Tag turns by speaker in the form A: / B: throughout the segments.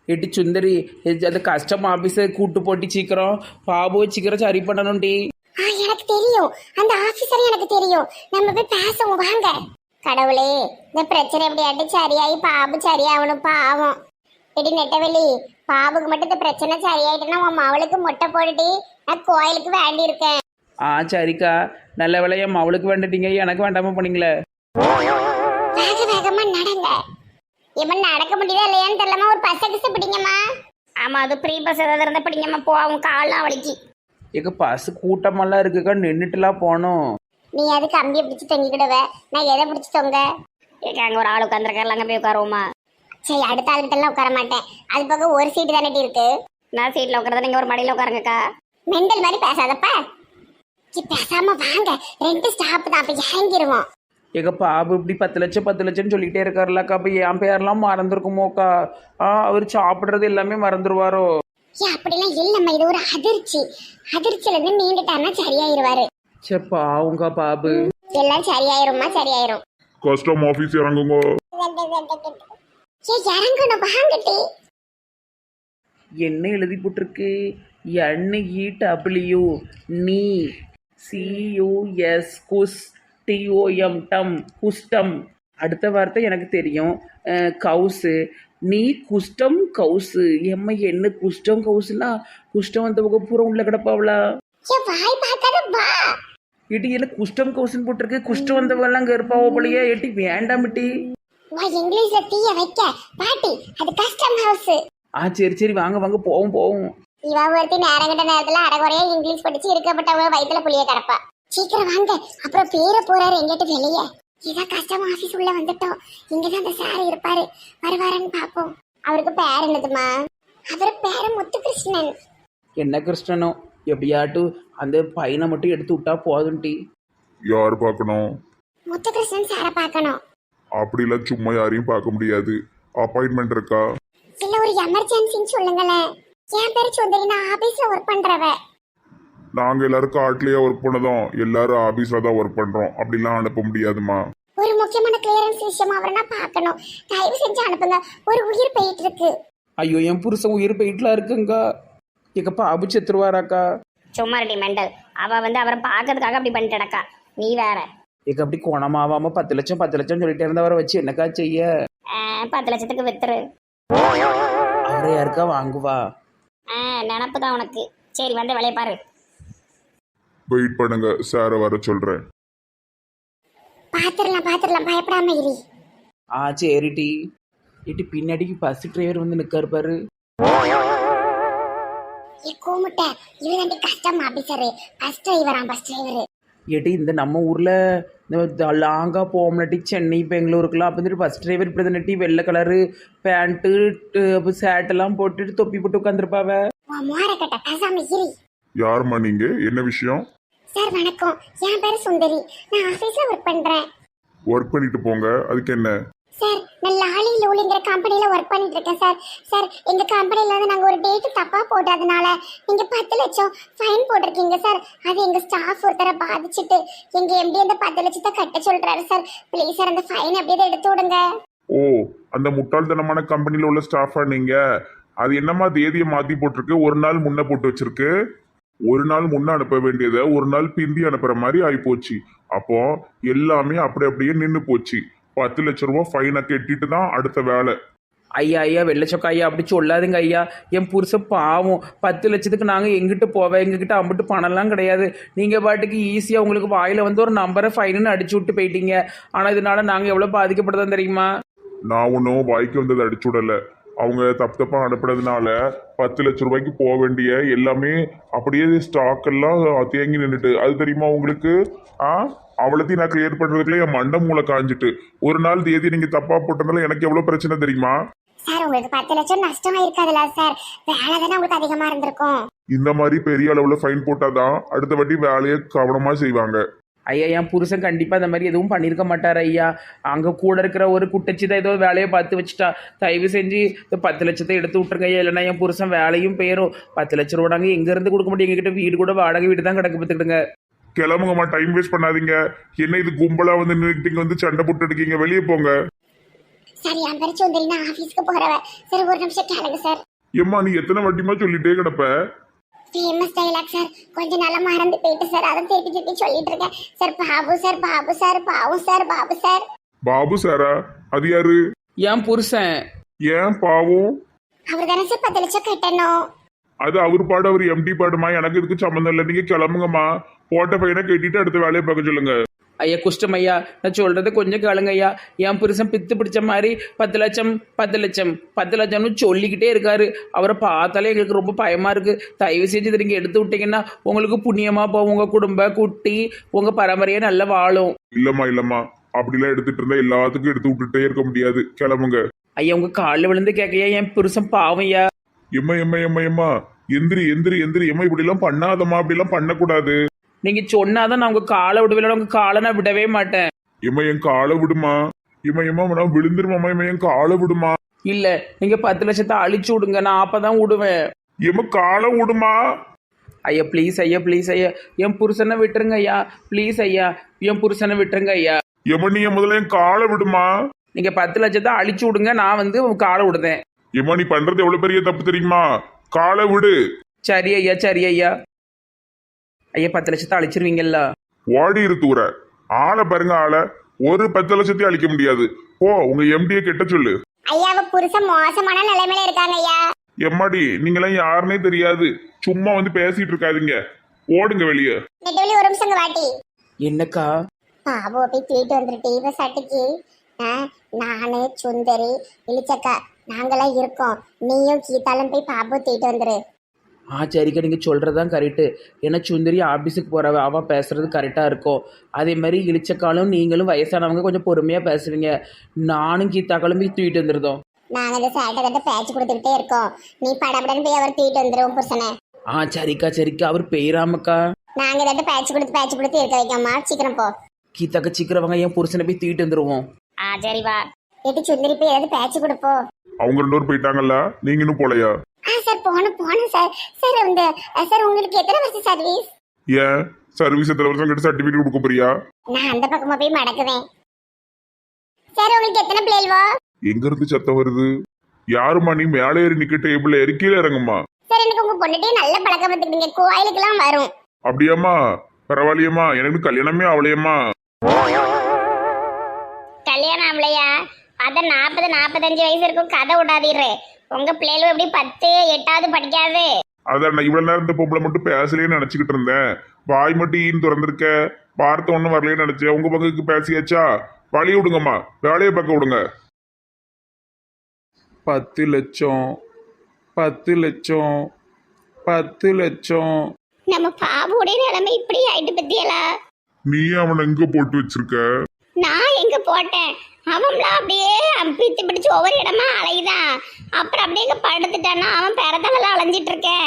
A: எட்டி சுந்தரி, அந்த கஸ்டம் ஆஃபீஸை கூட்டு போட்டி சீக்கிரம் பாபு சீக்கிரம் சரி பண்ணணும்டி.
B: எனக்கு தெரியும், அந்த ஆபீசர் எனக்கு தெரியும். நம்ம போய் பேசுவோம் வாங்க. கடவுளே, இந்த பிரச்சனை எப்படியாட்டி சரியாயி பாபு சரியாகணும். பாவம் எடி நெட்டவெளி, பாபுக்கு மட்டும் இந்த பிரச்சனை சரியாயிட்டுன்னா உன் மவளுக்கு மொட்டை போட்டுட்டு நான் கோயிலுக்கு வேண்டி இருக்கேன்.
A: சரிக்கா, நல்ல வேலையம் அவளுக்கு வேண்டிட்டீங்க, எனக்கு வேண்டாம போனீங்களே.
B: வேக வேகமா நடங்க. இவன் நடக்க முடியுதா இல்லையான்னு தெரியலமா, ஒரு பஸ் கிசு பிடிங்கம்மா. ஆமா, அது ப்ரீ பஸ் ஏதாவது இருந்தா பிடிங்கம்மா, போவோம். கால்லாம் வலிக்கு.
A: எங்க பஸ் கூட்டமெல்லாம் இருக்குக்கா, நின்றுட்டுலாம் போகணும்.
B: நீ அது கம்பியை பிடிச்சி தொங்கிக்கிடுவ, நான் எதை பிடிச்சி தொங்க? அங்க ஒரு ஆள் உட்காந்துருக்காருல, அங்க போய் உட்காருவோமா? சரி, அடுத்த ஆளுகிட்டலாம் உட்கார மாட்டேன். அது பக்கம் ஒரு சீட்டு தானே இருக்கு. நான் சீட்ல உட்காரத, நீங்க ஒரு மடியில உட்காருங்கக்கா. மெண்டல் மாதிரி பேசாதப்ப. பேசாம வாங்க, 2 ஸ்டாப் தான், அப்ப இறங்கிடுவோம்.
A: எங்க பாபு இப்படி 10 லட்சம் 10 லட்சம்னு சொல்லிட்டே இருக்காருல்லக்கா, அப்ப என் பேரெல்லாம் மறந்துருக்குமோக்கா? அவர் சாப்பிடுறது எல்லாமே மறந்துடுவாரோ?
B: அப்படிலாம் இல்லம்மா, இது ஒரு அதிர்ச்சி. அதிர்ச்சியில இருந்து நீண்டுட்டாருன்னா சரியாயிருவாரு.
A: பாவுங்க பாபு.
B: எல்லாம் சரியாயிரும்மா, சரியாயிரும்.
C: கஸ்டம் ஆபீஸ் இறங்குங்க.
B: இறங்கணும் வாங்கட்டி.
A: என்ன எழுதி போட்டிருக்கு? NEW நீ CUS குஸ் TOM டம் குஸ்டம். அடுத்த வார்த்தை எனக்கு தெரியும், கவுசு. நீ குஷ்டம் கவுசு. எம்மா என்ன குஷ்டம் கவுசுனா குஷ்டம் வந்த பக்கம் பூரா உள்ள கிடப்பாவளா?
B: வாய் பார்க்காத வா.
A: எட்டி என்ன குஷ்டம் கவுசுன்னு போட்டிருக்கு? குஷ்டம் வந்தவெல்லாம் அங்கே இருப்பாவோ போலையே. எட்டி வேண்டாம் எட்டி.
B: வா, இங்கிலீஷ்ல தீய வைக்க பாட்டி, அது கஸ்டம் ஹவுஸ்.
A: சரி சரி, வாங்க வாங்க போவோம் போவோம்.
B: இவ ஒருத்தி நேரங்கிட்ட நேரத்துல அரைகுறையா இங்கிலீஷ் படிச்சு இருக்கப்பட்டவங்க வயிற்றுல புளிய கிடப்பா. சீக்கிரம் வாங்க, அப்புறம் பேர போறாரு எங்கிட்ட வெளியே. இதான் கஸ்டம் ஆபீஸ் உள்ள வந்துட்டோம். இங்கதான் அந்த சார் இருப்பாரு, வருவாரன்னு பாப்போம். அவருக்கு பேர் என்னதுமா? அவர் பேரு முத்துகிருஷ்ணன்.
A: என்ன கிருஷ்ணனோ, எப்படியாட்டு அந்த பையனை மட்டும் எடுத்து விட்டா போதும்டி.
C: யார் பார்க்கணும்?
B: முத்துகிருஷ்ணன் சாரை பார்க்கணும்.
C: அப்படிலாம் சும்மா யாரையும் பார்க்க முடியாது. அப்பாயின்மெண்ட் இருக்கா?
B: இல்ல, ஒரு எமர்ஜென்சின்னு சொல்லுங்களேன். என் பேரு சுந்தரி, நான் ஆபீஸ்ல ஒர்க் பண்றவ.
C: நாங்க எல்லாரும் காட்டுலயே ஒர்க் பண்ணதும், எல்லாரும் ஆபீஸ்ல தான் ஒர்க் பண்றோம். அப்படிலாம் அனுப்ப முடியாதுமா.
B: ஒரு முக்கியமான கிளியரன்ஸ் விஷயம் அவரை நான் பார்க்கணும். தயவு செஞ்சு அனுப்புங்க, ஒரு உயிர் போயிட்டு இருக்கு.
A: ஐயோ, என் புருஷன் உயிர் போயிட்டுலாம் இருக்குங்க. எங்கப்பா அபு செத்துருவாராக்கா?
B: சும்மா ரெடி மெண்டல். அவ அவரை பார்க்கறதுக்காக அப்படி பண்ணிட்டு நடக்கா. நீ வேற.
A: எங்க அப்படி குணமாவாம 10 லட்சம் 10 லட்சம் சொல்லிட்டே இருந்தவரை வச்சு என்னக்கா செய்ய?
B: 10 லட்சத்துக்கு வித்துரு.
A: அவரை யாருக்கா வாங்குவா?
B: நினப்பு தான் உனக்கு. சரி, வந்து வேலையை பாரு.
C: வெயிட் பண்ணுங்க, சாரை வர சொல்றேன்.
B: பாத்துரலாம் பாத்துரலாம், பயப்படாம இரு.
A: சரிடி. இட்டு பின்னாடிக்கு பஸ் டிரைவர் வந்து நிக்காரு பாரு.
B: கூமுட்ட, இவன் கஸ்டம் ஆபீசரு, பஸ் டிரைவரா? Bus driver.
A: ஏட்டி, இந்த நம்ம ஊர்ல இந்த லாங்கா போகணும்னாட்டி சென்னை பெங்களூருக்குலாம் அப்போ வந்துட்டு பஸ் டிரைவர் இப்படி தானட்டி வெள்ளை கலரு பேண்ட்டு சேட்டெல்லாம் போட்டுட்டு தொப்பி போட்டு உட்காந்துருப்பாவ.
B: மோரக்கட்ட, பேசாம இரு.
C: யாருமா நீங்க? என்ன விஷயம்?
B: சார் வணக்கம், என் பேரு சுந்தரி, நான் ஆபீஸ்ல ஒர்க் பண்றேன்.
C: ஒர்க் பண்ணிட்டு போங்க, அதுக்கு என்ன?
B: சார், நான் லாலி லூலிங்கிற கம்பெனில ஒர்க் பண்ணிட்டு இருக்கேன் சார். சார், எங்க கம்பெனில இருந்து நாங்க ஒரு டேட் தப்பா போட்டதுனால நீங்க 10 லட்சம் ஃபைன் போட்டிருக்கீங்க சார். அது எங்க ஸ்டாஃப் ஒருத்தரை பாதிச்சுட்டு எங்க எம்டி அந்த 10 லட்சத்தை கட்ட சொல்றாரு சார். ப்ளீஸ் சார், அந்த ஃபைன் அப்படியே எடுத்து விடுங்க.
C: ஓ, அந்த முட்டாள்தனமான கம்பெனில உள்ள ஸ்டாஃபா நீங்க? அது என்னமா தேதியை மாத்தி போட்டிருக்கு, ஒரு நாள் முன்ன போட்டு வச்சிருக்கு. ஒரு நாள் முன்ன அனுப்ப வேண்டியதை ஒரு நாள் பிந்தி அனுப்புற மாதிரி ஆயிப்போச்சு. அப்போ எல்லாமே அப்படியே நின்று போச்சு. 10 லட்சம் ரூபாய் ஃபைனை கட்டிட்டு தான் அடுத்த வேலை.
A: ஐயா வெள்ளச்சொக்கா ஐயா, அப்படி சொல்லாதுங்க ஐயா. என் புருஷன் பாவம். 10 லட்சத்துக்கு நாங்கள் எங்கிட்ட போவேன்? எங்ககிட்ட அம்பிட்டு பணம்லாம் கிடையாது. நீங்கள் பாட்டுக்கு ஈஸியாக உங்களுக்கு வாயில் வந்து ஒரு நம்பரை ஃபைனுன்னு அடிச்சு விட்டு போயிட்டீங்க. ஆனால் இதனால நாங்கள் எவ்வளோ பாதிக்கப்படுறோம் தெரியுமா?
C: நான் ஒன்றும் வாய்க்கு வந்ததை அடிச்சு விடலை. அவங்க தப்பா அனுப்புனதுனால 10 லட்சம் ரூபாய்க்கு போக வேண்டிய எல்லாமே அப்படியே ஸ்டாக் எல்லாம் தேங்கி நின்றுட்டு. அது தெரியுமா உங்களுக்கு? அவ்வளோத்தையும் நான் கிளியர் பண்றதுக்குள்ள என் மண்டை மூளை காஞ்சிட்டு. ஒரு நாள் தேதி நீங்க தப்பா போட்டதுனால எனக்கு எவ்வளவு பிரச்சனை தெரியுமா?
B: சார், உங்களுக்கு 10 லட்சம் நஷ்டமா இருக்காதுல்ல சார்? வேலை தானே உங்களுக்கு அதிகமா இருந்திருக்கும்.
C: இந்த மாதிரி பெரிய அளவுல ஃபைன் போட்டாதான் அடுத்த வாட்டி வேலையை கவனமா செய்வாங்க.
A: ஐயா, என் புருஷன் கண்டிப்பாக இந்த மாதிரி எதுவும் பண்ணியிருக்க மாட்டார் ஐயா. அங்கே கூட இருக்கிற ஒரு குட்டச்சி தான் ஏதோ வேலையை பார்த்து வச்சுட்டா. தயவு செஞ்சு 10 லட்சத்தை எடுத்து விட்டுருங்க ஐயா, இல்லைன்னா என் புருஷன் வேலையும் போயிடும். 10 லட்ச ரூபா நாங்கள் எங்கேருந்து கொடுக்க முடியும்? எங்ககிட்ட வீடு கூட வாடகை வீடு தான் கிடக்கு பார்த்துக்கிடுங்க.
C: கிளம்புங்கம்மா, டைம் வேஸ்ட் பண்ணாதீங்க. என்ன இது கும்பலா வந்து நின்றுட்டு வந்து சண்டை போட்டு இருக்கீங்க? வெளியே போங்க.
B: சார் என் பேர் சுந்தரி, நான் ஆபீஸ்க்கு போறவ. சார் ஒரு நிமிஷம் கேளுங்க சார்.
C: ஏம்மா நீ எத்தனை வாட்டிமா சொல்லிட்டே கிடப்ப?
B: ஃபேமஸ் டைலாக் சார், கொஞ்ச நாளா மறந்து போயிட்டு சார், அதை திருப்பி திருப்பி சொல்லிட்டு இருக்கேன் sir. Babu sir, Babu sir, Babu sir, Babu sir.
C: Babu சாரா? அது யாரு?
A: என் புருஷன்.
C: ஏன் பாவம்?
B: அவர் தானே சார் 10 லட்சம் கட்டணும்.
C: அது அவர் பாடு, அவர் எம்டி பாடுமா, எனக்கு இதுக்கு சம்மந்தம் இல்லை. நீங்க கிளம்புங்கம்மா, போட்ட பையனை கட்டிட்டு அடுத்த வேலையை பார்க்க சொல்லுங்க.
A: ஐயா குஷ்டம் ஐயா, நான் சொல்றது கொஞ்சம் கேளுங்க ஐயா. என் புருஷன் பித்து பிடிச்ச மாதிரி 10 லட்சம் 10 லட்சம் 10 லட்சம்னு சொல்லிக்கிட்டே இருக்காரு. அவரை பார்த்தாலே எங்களுக்கு ரொம்ப பயமா இருக்கு. தயவு செஞ்சு இதை நீங்க எடுத்து விட்டீங்கன்னா உங்களுக்கு புண்ணியமா போகும். உங்க குடும்ப குட்டி உங்க பரம்பரையே நல்லா வாழும்.
C: இல்லம்மா அப்படிலாம் எடுத்துட்டு இருந்தா எல்லாத்துக்கும் எடுத்து விட்டுட்டே இருக்க முடியாது. கிளம்புங்க.
A: ஐயா உங்க காலில் விழுந்து கேட்கையா, என் புருஷன் பாவம் ஐயா.
C: எம்மா எந்திரி எம்மா, இப்படி எல்லாம் பண்ணாதம்மா, அப்படி எல்லாம் பண்ணக்கூடாது.
A: நீங்க சொன்னாதான் நான் உங்க காலை விடுவேன். உங்க காலை நான் விடவே மாட்டேன்.
C: எம்மா என் காலை விடுமா. எம்மா நான் விழுந்துருமாம்மா. என் காலை விடுமா.
A: இல்ல நீங்க 10 லட்சத்தை அழிச்சு விடுங்க, நான் அப்பதான் விடுவேன்.
C: எம்மா காலை விடுமா.
A: ஐயா ப்ளீஸ் ஐயா, ப்ளீஸ் ஐயா, என் புருஷனை விட்டுருங்க ஐயா. ப்ளீஸ் ஐயா, என் புருஷனை விட்டுருங்க ஐயா.
C: எம்மா நீ முதல்ல என் காலை விடுமா.
A: நீங்க 10 லட்சத்தை அழிச்சு விடுங்க, நான் உங்க காலை விடுதேன்.
C: எம்மா நீ பண்றது எவ்வளவு பெரிய தப்பு தெரியுமா. காலை விடு.
A: சரி ஐயா, சரி ஐயா. ஐயா 10 லட்சத்தை அழிச்சிருவீங்கல்ல?
C: ஓடி இருத்தூர ஆளை பாருங்க. ஆளை ஒரு 10 லட்சத்தையும் அழிக்க முடியாது. போ உங்க எம்டியை கெட்ட சொல்லு.
B: ஐயா அவ புருஷன் மோசமான நிலைமையில இருக்காங்க ஐயா.
C: எம்மாடி நீங்களாம் யாருன்னே தெரியாது, சும்மா வந்து பேசிட்டு இருக்காதீங்க. ஓடுங்க வெளியே.
B: நெட்டவெளி ஒரு நிமிஷம் வாட்டி.
A: என்னக்கா?
B: பாபு போய் தூக்கிட்டு வந்துட்டு இவ சட்டிக்கு நானு சுந்தரி இளிச்சக்கா நாங்களாம் இருக்கோம். நீயும் கீதாலும் போய் பாபு தூக்கிட்டு வந்துரு.
A: சரிக்கா, நீங்க சொல்றதுதான் கரெக்டு. ஏன்னா சுந்தரி ஆபீஸுக்கு போறவ, அவ பேசுறது கரெக்டா இருக்கும். அதே மாதிரி இளிச்சக்காலும் நீங்களும் வயசானவங்க கொஞ்சம் பொறுமையா பேசுவீங்க. நானும் கீதாக்காலும் போய் தூக்கிட்டு வந்துருதோம்.
B: நாங்க இந்த சேட்டை கட்ட பேச்சு கொடுத்துக்கிட்டே இருக்கோம். நீ படபடன்னு போய் அவர் தூக்கிட்டு வந்துருவோம் புருஷனை.
A: சரிக்கா, அவர் பெயராமக்கா.
B: நாங்க இதை பேச்சு கொடுத்து இருக்க வைக்கோமா. சீக்கிரம் போ
A: கீதாக்கா, சீக்கிரம் வாங்க, என் புருஷனை போய் தூக்கிட்டு வந்துருவோம்.
B: சரி வா. எட்டு சுந்தரி போய் ஏதாவது பேச்சு கொடுப்போம்.
C: அவங்க 2 பேரும் போயிட்டாங்கல்ல, நீங்க இன்னும் போலையா?
B: சார் போனோம் சார். சார் இந்த சார் உங்களுக்கு எத்தனை வருஷம் சர்வீஸ்?
C: ஏன் சர்வீஸ் எத்தனை வருஷம் கிட்ட சர்டிபிகேட் கொடுக்க போறியா?
B: நான் அந்த பக்கமா போய் மடக்குவேன். சார் உங்களுக்கு எத்தனை பிள்ளைவா?
C: எங்க இருந்து சத்தம் வருது? யாருமா நீ? மேலே ஏறி நிக்க, டேபிள்ல ஏறி கீழே இறங்குமா.
B: சார் எனக்கு உங்க பொண்ணுட்டே நல்ல பழக்கம் பார்த்துக்கிட்டீங்க, கோயிலுக்கெல்லாம் வரும்.
C: அப்படியாம்மா? பரவாயில்லையம்மா, எனக்கு கல்யாணமே அவளையம்மா.
B: கல்யாணம் ஆகலையா? அதான் 40-45 வயசு இருக்கும். கதை விடாதீரு. உங்க பிள்ளைகளும் எப்படி 10, 8வது படிக்காது.
C: அதான் நான் இவ்வளவு நேரம் இந்த பொம்பளை மட்டும் பேசலேன்னு நினைச்சுக்கிட்டு இருந்தேன். வாய் மட்டும் ஈன்னு திறந்திருக்க, வார்த்தை ஒன்றும் வரலைன்னு நினைச்சேன். உங்க பங்குக்கு பேசியாச்சா? வழி விடுங்கம்மா, வேலையை பார்க்க விடுங்க.
A: 10 லட்சம் 10 லட்சம் 10 லட்சம்.
B: நம்ம பாபுடைய நிலைமை இப்படி ஆயிட்டு பத்தியலா?
C: நீ அவனை எங்க போட்டு வச்சிருக்க?
B: நான் எங்க போட்டேன்? அவன்லாம் அப்படியே பித்து பிடிச்சு ஒவ்வொரு இடமா அலையுதான். அப்புறம் அப்படியே எங்க படுத்துட்டானா அவன் பிறத்தவெல்லாம் அலைஞ்சிட்டு இருக்கேன்.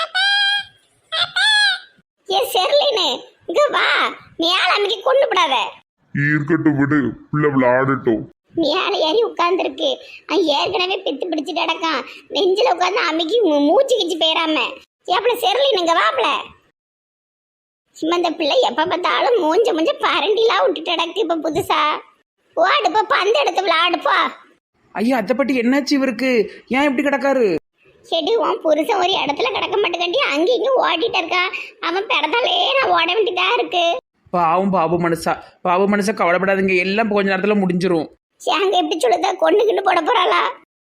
B: ஏ செர்லினு இங்க வா, மேல அமைக்க கொண்டு விடாத.
C: இருக்கட்டும் விடு, பிள்ளை விளையாடட்டும்.
B: மேல ஏறி உட்கார்ந்துருக்கு. ஏற்கனவே பித்து பிடிச்சிட்டு கிடக்கான். நெஞ்சில உட்காந்து அமைக்கி மூச்சு கிச்சு போயிடாம. எப்பல செர்லின் இங்க வாப்ல. சும்மா இந்த பிள்ளை எப்ப பார்த்தாலும் மூஞ்ச பரண்டிலாம் விட்டுட்டு கிடக்கு. இப்ப புதுசா ஓடுப்பா, பந்து எடுத்து விளையாடுப்பா.
A: ஐயா அதை பற்றி என்னாச்சு இவருக்கு? ஏன் இப்படி கிடக்காரு?
B: செடி உன் புருஷன் ஒரு இடத்துல கிடக்க மாட்டேங்காட்டி அங்கேயும் இங்கேயும் ஓடிட்டு இருக்கான். அவன் பிறந்தாலே நான் ஓட வேண்டியதா இருக்கு.
A: பாவம் பாபு மனுஷா கவலைப்படாதுங்க, எல்லாம் கொஞ்ச நேரத்துல முடிஞ்சிரும்.
B: அங்க எப்படி சொல்லுதா, கொண்டுகிட்டு போட போறாளா?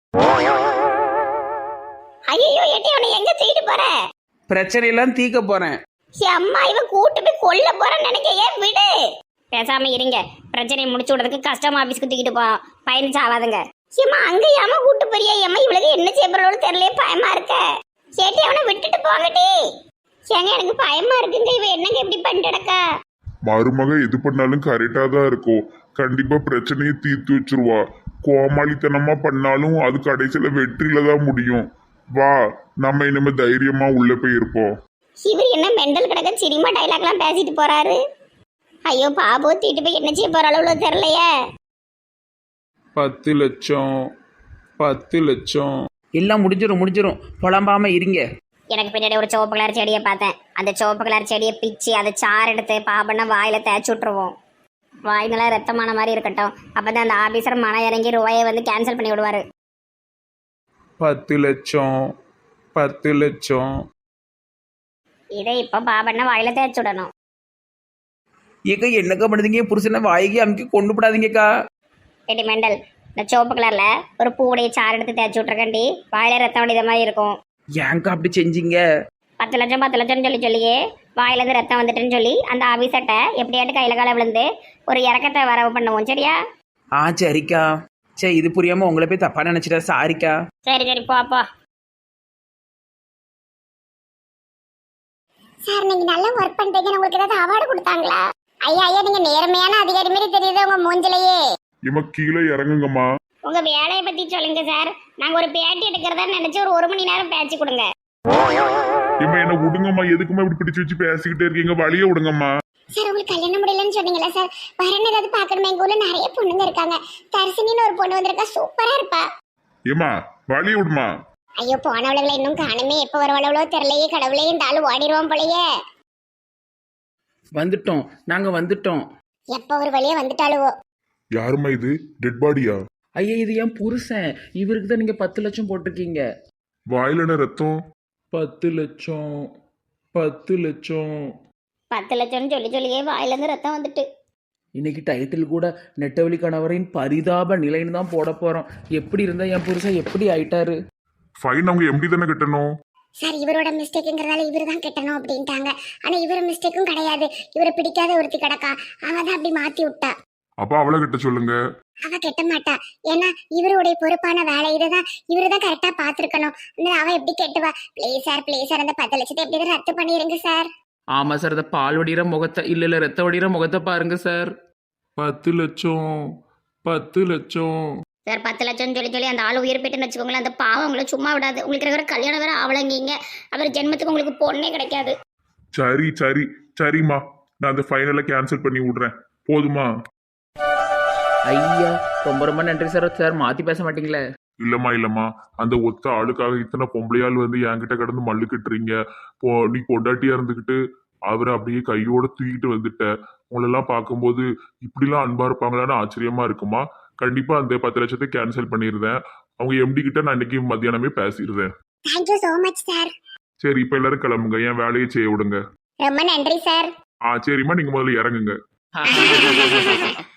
B: ஐயோ ஏட்டி, அவனை எங்க தூக்கிட்டு போற?
A: பிரச்சனையெல்லாம் தீக்க போறேன்.
B: அம்மா இவன் கூட்டு போய் கொல்ல போறேன்னு நினைக்க. ஏன் விடு, பேசாம இருங்க. பிரச்சனையை முடிச்சு விடுறதுக்கு கஸ்டமர் ஆபீஸ்க்கு தூக்கிட்டு போறோம். பயணிச்சு ஆகாதுங்க. ஏமா அங்க ஏமா கூட்டு போறியா? ஏமா இவளுக்கு என்ன செய்ய போறோம்னு தெரியல, பயமா இருக்க. சேட்டி அவனை விட்டுட்டு போங்கட்டி. ஏங்க எனக்கு பயமா இருக்குங்க. இவ என்னங்க இப்படி பண்ணிட்டடக்கா?
C: மருமக எது பண்ணாலும் கரெக்டா தான் இருக்கும். கண்டிப்பா பிரச்சனையை தீர்த்து வச்சிருவா. கோமாளித்தனமா பண்ணாலும் அது கடைசியில வெற்றியில தான் முடியும். வா, நம்ம இனிமே தைரியமா உள்ள போய் இருப்போம்.
B: இவர் என்ன மெண்டல் கிடக்க சினிமா டைலாக்லாம் பேசிட்டு போறாரு. ஐயோ பாபு தீட்டு போய் என்ன செய்ய போறாளோ தெரியலையே.
A: 10 லட்சம் 10 லட்சம். எல்லாம் முடிஞ்சிரும். புலம்பாம இருங்க.
B: எனக்கு பின்னாடி ஒரு சிவப்பு கலர் செடியை பார்த்தேன். அந்த சிவப்பு கலர் செடியை பிச்சு அதை சாறு எடுத்து பாபண்ணா வாயில தேய்ச்சி விட்டுருவோம். வாய்ங்களா ரத்தமான மாதிரி இருக்கட்டும். அப்பதான் அந்த ஆபீசர் மன இறங்கி ரூபாயை வந்து கேன்சல் பண்ணி விடுவாரு.
A: 10 லட்சம் 10 லட்சம்.
B: இதை இப்போ பாபண்ண வாயில தேய்ச்சி விடணும்.
A: ஏக்கா என்னக்கா பண்ணுதுங்க? என் புருஷனை வாய்க்கு அமுக்கி கொண்டு போடாதீங்கக்கா.
B: ஏடி மெண்டல், இந்த சிவப்பு கலர்ல ஒரு பூவுடைய சாறு எடுத்து தேய்ச்சி விட்ருக்கண்டி, வாயில ரத்தம் வடித மாதிரி இருக்கும்.
A: ஏன்க்கா அப்படி செஞ்சீங்க?
B: 10 லட்சம் 10 லட்சம்னு சொல்லியே வாயிலேருந்து ரத்தம் வந்துட்டுன்னு சொல்லி அந்த ஆபீசர்ட்ட எப்படியாட்டு கையில கால விழுந்து ஒரு இறக்கத்தை வரவு பண்ணுவோம். சரியா?
A: ஆ சரிக்கா. சரி, இது புரியாம உங்களை போய் தப்பா நினைச்சிட்டா சாரிக்கா.
B: சரி சரி போ போ.
D: சார் நீங்க நல்லா ஒர்க் பண்றீங்க. உங்களுக்கு ஏதாவது அவார்டு கொடுத்தாங்களா? ஐயா ஐயா, நீங்க நேர்மையான அதிகாரி மாதிரி தெரியுது உங்க மூஞ்சிலேயே.
C: இம்மா கீழே இறங்குங்கம்மா.
B: உங்க வேலையை பத்தி சொல்லுங்க சார். நாங்க ஒரு பேட்டி எடுக்கிறதா நினைச்சு ஒரு மணி நேரம் பேச்சு கொடுங்க.
C: இம்மா என்ன விடுங்கம்மா, எதுக்குமா இப்படி பிடிச்சு வச்சு பேசிக்கிட்டே இருக்கீங்க? வழியே விடுங்கம்மா.
D: சார் உங்களுக்கு கல்யாணம் முடியலன்னு சொன்னீங்களா சார்? வரணும் ஏதாவது பாக்கணுமா? எங்க ஊர்ல நிறைய பொண்ணுங்க இருக்காங்க. தரிசனின்னு ஒரு பொண்ணு வந்திருக்கா, சூப்பரா இருப்பா.
C: ஏம்மா வழியே விடுமா.
D: ஐயோ போனவளவுல இன்னும் காணுமே. எப்ப வரவளவளோ தெரியலையே. கடவுளே, இந்த ஆளு ஓடிடுவோம் போலயே.
A: வந்துட்டோம், நாங்க வந்துட்டோம்.
D: எப்ப ஒரு வழியே வந்துட்டாளுவோ.
C: யாரும்மா இது? டெட் பாடியா?
A: ஐயா இது என் புருஷன். இவருக்கு தான் நீங்க 10 லட்சம் போட்டிருக்கீங்க.
C: வாயிலன ரத்தம்.
A: 10 லட்சம் 10 லட்சம்.
B: 10 லட்சம்னு சொல்லியே வாயிலேருந்து ரத்தம் வந்துட்டு.
A: இன்னைக்கு டைட்டில் கூட நெட்டவழி கணவரின் பரிதாப நிலைன்னு தான் போட போறோம். எப்படி இருந்தா என் புருஷன் எப்படி ஆயிட்டாரு?
C: ஃபைன் அவங்க எம்டி தானே கட்டணும்.
D: சார் இவரோட மிஸ்டேக்குங்கிறதால இவரு தான் கட்டணும் அப்படின்ட்டாங்க. ஆனா இவர மிஸ்டேக்கும் கிடையாது. இவரை பிடிக்காத ஒருத்தி கிடக்கா, அவ தான் அப்படி மாத்தி விட்டா.
C: அப்ப அவளை கிட்ட சொல்லுங்க.
D: அவ கட்ட மாட்டா. ஏன்னா இவருடைய பொறுப்பான வேலை இதுதான். இவருதான் கரெக்டா பாத்துருக்கணும். அவ எப்படி கெட்டுவா? ப்ளீஸ் சார் அந்த 10 லட்சத்தை எப்படி ரத்து பண்ணிருங்க சார்.
A: ஆமா சார், அந்த பால் வடிகிற முகத்தை இல்ல ரத்த வடிகிற முகத்தை பாருங்க சார். 10 லட்சம் 10 லட்சம்.
B: சார் 10 லட்சம்னு சொல்லி அந்த ஆள் உயிர் போயிட்டுன்னு வச்சுக்கோங்களேன். அந்த பாவம் உங்களை சும்மா விடாது. உங்களுக்கு இருக்கிற கல்யாணம் வேற அவளங்கிங்க. அவர் ஜென்மத்துக்கு உங்களுக்கு பொண்ணே கிடைக்காது.
C: சரிம்மா, நான் அந்த ஃபைனலை கேன்சல் பண்ணி விடுறேன். போதுமா?
A: ஐயா ரொம்ப ரொம்ப நன்றி சார். சார் மாத்தி பேச மாட்டீங்களே?
C: இல்லம்மா, அந்த ஒத்த ஆளுக்காக இத்தனை பொம்பளையாள் வந்து என்கிட்ட கிடந்து மல்லு கட்டுறீங்க. நீ பொண்டாட்டியா இருந்துக்கிட்டு அவரை அப்படியே கையோட தூக்கிட்டு வந்துட்ட. உங்களெல்லாம் பார்க்கும்போது இப்படிலாம் அன்பா இருப்பாங்களான்னு ஆச்சரியமா இருக்குமா? கண்டிப்பா அந்த 10 லட்சத்தை கேன்சல் பண்ணிடுறேன். அவங்க எம்டி கிட்ட நான் இன்னைக்கு மத்தியானமே பேசிடுறேன்.
D: Thank you so much sir.
C: சரி, இப்ப எல்லாரும் கிளம்புங்க, என் வேலையை செய்ய விடுங்க.
D: ரொம்ப நன்றி சார்.
C: சரிம்மா, நீங்க முதல்ல இறங்குங்க.